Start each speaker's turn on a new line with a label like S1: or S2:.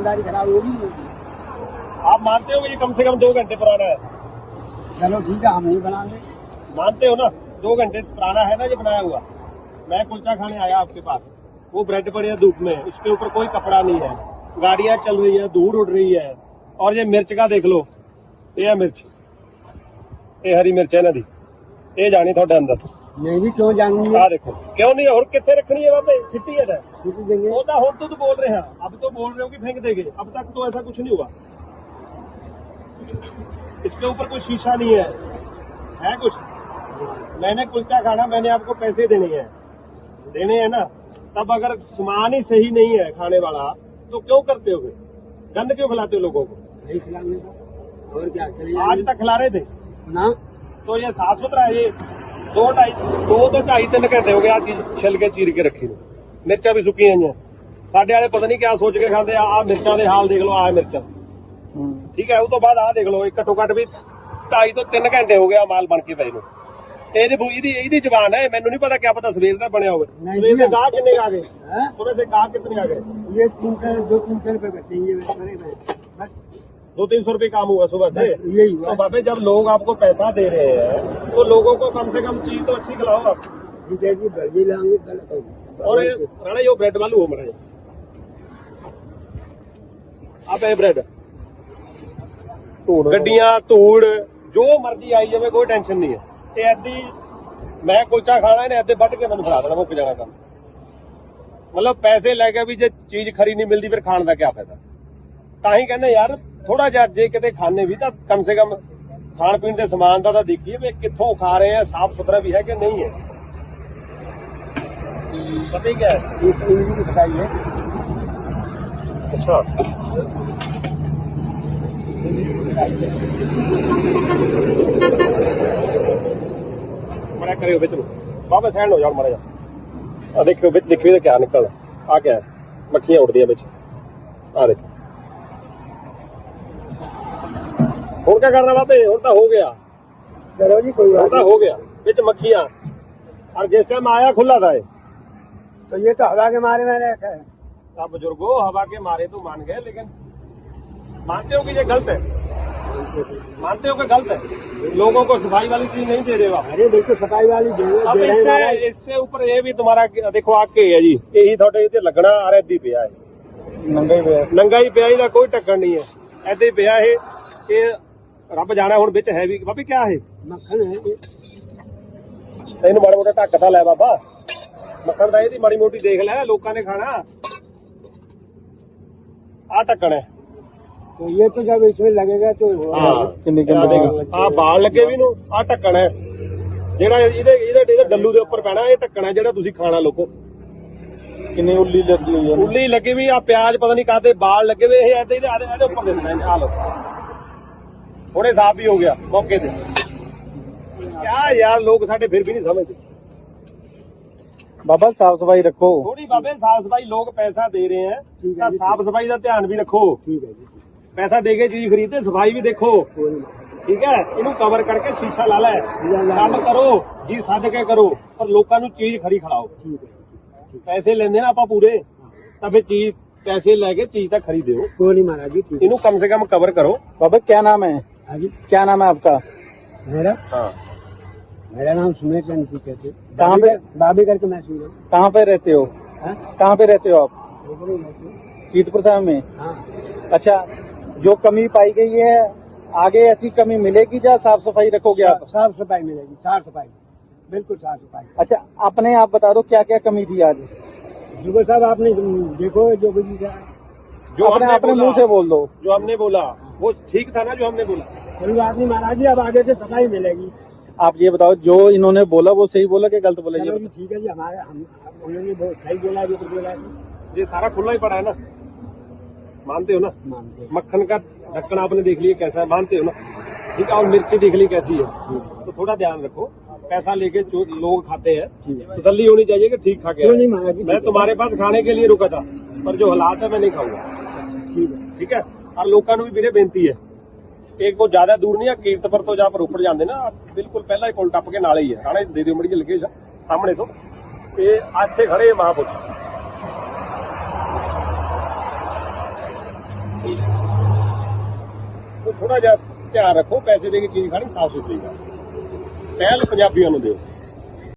S1: दुकानदारी खराब होगी।
S2: आप मानते हो कि ये कम से कम 2 घंटे पुराना है?
S1: चलो ठीक है, हम नहीं बनाएंगे।
S2: मानते हो ना 2 घंटे पुराना है ना ये बनाया हुआ। मैं कुलचा खाने आया आपके पास, वो ब्रेड पड़ी है धूप में, उसके ऊपर कोई कपड़ा नहीं है, गाड़ियां चल रही है, धूल उड़ रही है, और ये मिर्च का देख लो, ये है मिर्च, ये हरी मिर्च है ना दी, ये जानी थोड़े अंदर
S1: नहीं भी क्यों जाएंगे?
S2: आ देखो क्यों नहीं है, और कितने रखनी है वहाँ पे छिट्टी है ना?
S1: छुट्टी देंगे।
S2: वो तो बोल रहे हैं, अब तो बोल रहे हो कि फेंक देंगे, अब तक तो ऐसा कुछ नहीं हुआ। इसके ऊपर कोई शीशा नहीं है कुछ। मैंने कुलचा खाना, मैंने आपको पैसे देने हैं ना, तब अगर सामान ही सही नहीं है खाने वाला तो क्यों करते हो? गंद क्यों खिलाते हो लोगों को?
S1: नहीं खिलाने का और क्या चलिए।
S2: आज तक खिला रहे थे
S1: ना,
S2: तो ये साफ सुथरा है। ये 2-2.5-3 घंटे हो गए, आ चीज छिल के चीर के रखी ने, मिर्चा भी सुकी हैं। साडे वाले पता नहीं क्या सोच के खाते, आ मिर्चा दे हाल देख लो, आ मिर्चा ठीक है। उस तो बाद आ देख लो, घट्टो घट भी 2.5 ਤੋਂ 3 घंटे हो गया माल बन के पए ਨੂੰ। ਇਹਦੀ ਜ਼ਬਾਨ है, मैनू नहीं पता, क्या पता सवेर का बनया होवे। सवेर से गाह कितने आ गए? सुबह से गाह कितने आ गए?
S1: ये 200-300 रुपए बचेंगे बस।
S2: 200-300 रुपए काम हुआ सुबह से।
S1: यही हुआ।
S2: तो बाबे जब लोग आपको पैसा दे रहे हैं तो लोगों को कम से कम चीज तो अच्छी खिलाओ आप।
S1: ठीक है जी, बर्जी लाएंगे कल।
S2: और राणा यो ब्रेड वालू हो मरा आप ये ब्रेड गड्डियां धूड़ जो मर्जी आई जाए, कोई टेंशन नहीं है। ये ऐदी मैं कुलचा खाना इन्हें ऐदे ਵੱਢ के मैंने खिला देना, मुक जाना काम। मतलब पैसे लैके भी जो चीज खरी नहीं मिलती फिर खाने का क्या फायदा? ताही कहने यार थोड़ा जिहा जे किते खाने भी तो कम से कम खाण पीण के समान का देखिए भी कित्थों खा रहे हैं, साफ सुथरा भी है कि नहीं है। पता ही क्या है?
S1: ये पनीर की खटाई है।
S2: अच्छा मरा करियो बिच बाबा सैंड हो जाओ मारा जा। देखियो बिच देखियो क्या निकल आ, क्या है? मक्खियां उड़दियां बिच, आ देखो। और क्या करना बाबे, और तो हो गया।
S1: चलो जी कोई बात
S2: हो गया बिच मक्खियां, और जिस टाइम आया खुला था ये।
S1: तो ये तो हवा के मारे मैंने रखा है।
S2: आप बुजुर्गो हवा के मारे तो मान गए, लेकिन मानते हो कि ये गलत है? मानते हो कि गलत है? लोगों को सफाई वाली चीज नहीं दे रहे हो आप।
S1: अरे बिल्कुल सफाई वाली
S2: अब इससे ऊपर ये भी तुम्हारा देखो आके है जी, यही थोड़े इतने लगना आ रहा इदी पिया है, नंगा ही पिया, ਇਹਦਾ ਕੋਈ ਢੱਕਣ नहीं है, ऐसे ही पिया है। ये रब जाना ਹੁਣ ਵਿੱਚ है भी बाबी क्या है?
S1: मक्खन है।
S2: ਇਹਨੂੰ ਮਾੜਾ ਮੋਟਾ ਢੱਕ ਤਾਂ ਲੈ ਬਾਬਾ, ਮੱਖਣ ਦਾ ਇਹਦੀ ਮਾੜੀ ਮੋਟੀ ਦੇਖ ਲੈ, ਲੋਕਾਂ ਨੇ ਖਾਣਾ। ਆ ਢੱਕਣ ਹੈ
S1: तो ये तो जब इसमें लगेगा तो
S2: ਆ ਬਾਲ ਲੱਗੇ ਵੀ ਨੂੰ, ਆ ਢੱਕਣ ਹੈ ਜਿਹੜਾ ਇਹਦੇ ਡੱਲੂ ਦੇ ਉੱਪਰ ਪੈਣਾ। ਇਹ ਢੱਕਣ ਹੈ ਜਿਹੜਾ ਤੁਸੀਂ ਖਾਣਾ ਲੋਕੋ।
S1: कितनी उल्ली लगी हुई है।
S2: ਉੱਲੀ ਲੱਗੀ ਵੀ ਆ, ਪਿਆਜ਼ ਪਤਾ ਨਹੀਂ ਕਾਹਦੇ ਬਾਲ ਲੱਗੇ ਵੇ, ਇਹ ਇਹਦੇ ਉੱਪਰ ਦੇ ਦਿੰਦਾ। ਆ ਲੋ ਹੁਣੇ ਸਾਫ भी हो गया मौके ਤੇ। क्या यार लोग साढ़े फिर भी नहीं समझते।
S1: बाबा साफ सफाई रखो
S2: थोड़ी बाबे साफ सफाई, लोग पैसा दे रहे हैं तो साफ सफाई का ध्यान भी रखो।
S1: ठीक है जी,
S2: पैसा दे के चीज खरीदते, सफाई भी देखो ठीक है। इनू कवर करके शीशा ला लै, काम करो जी सद के करो, पर लोगों को चीज खरी खिलाओ।
S1: ठीक है।
S2: पैसे लेने ना आप पूरे, तब फिर चीज पैसे लेके चीज तक खरीदो।
S1: कोई नहीं महाराज जी, ठीक है।
S2: इनू कम से कम कवर करो।
S1: बाबा क्या नाम है? हाँ जी, क्या नाम है आपका? मेरा?
S2: हाँ
S1: मेरा नाम सुमेर चंद जी कहते। कहाँ पे? बाबी करके मैं सुन रहा हूँ। कहाँ पे रहते हो? कहाँ पे रहते हो आप? कीर्तपुर साहब में। हाँ। अच्छा, जो कमी पाई गई है आगे ऐसी कमी मिलेगी या साफ सफाई रखोगे आप? साफ सफाई मिलेगी, साफ सफाई, बिल्कुल साफ सफाई। अच्छा, अपने आप बता दो क्या क्या कमी थी आज? जुगर साहब आपने देखो जो
S2: जो
S1: अपने मुंह से बोल दो।
S2: जो हमने बोला वो ठीक था ना, जो हमने बोला।
S1: कोई बात नहीं महाराज जी, अब आगे से सफाई मिलेगी। आप ये बताओ जो इन्होंने बोला वो सही बोला कि गलत बोला? ये ठीक है जी, हमारे उन्होंने सही बोला, जो बोला है
S2: ये सारा खुला ही पड़ा है ना, मानते हो ना?
S1: मानते हैं।
S2: मक्खन का ढक्कन आपने देख लिया कैसा है, मानते हो ना? ठीक है। और मिर्ची देख ली कैसी है, तो थोड़ा ध्यान रखो। पैसा लेके जो लोग खाते हैं तसल्ली होनी चाहिए कि ठीक खा के। मैं तुम्हारे पास खाने के लिए रुका था, पर जो हालात है मैं नहीं खाऊंगा। ठीक है। और लोगों भी मेरे बेनती है, एक को ज्यादा दूर नहीं है, कीर्तपुर तो जहाँ पर रोपड़ जाते ना, बिल्कुल पहला ही पुल टप के नाले ही है। राणे दे दियो मड़ी लगे सामने तो ये आज से खड़े महापुरुष। तो थोड़ा जा ध्यान रखो, पैसे दे के चीज खानी साफ सुथरी का, पहल पंजाबियों ਨੂੰ ਦਿਓ।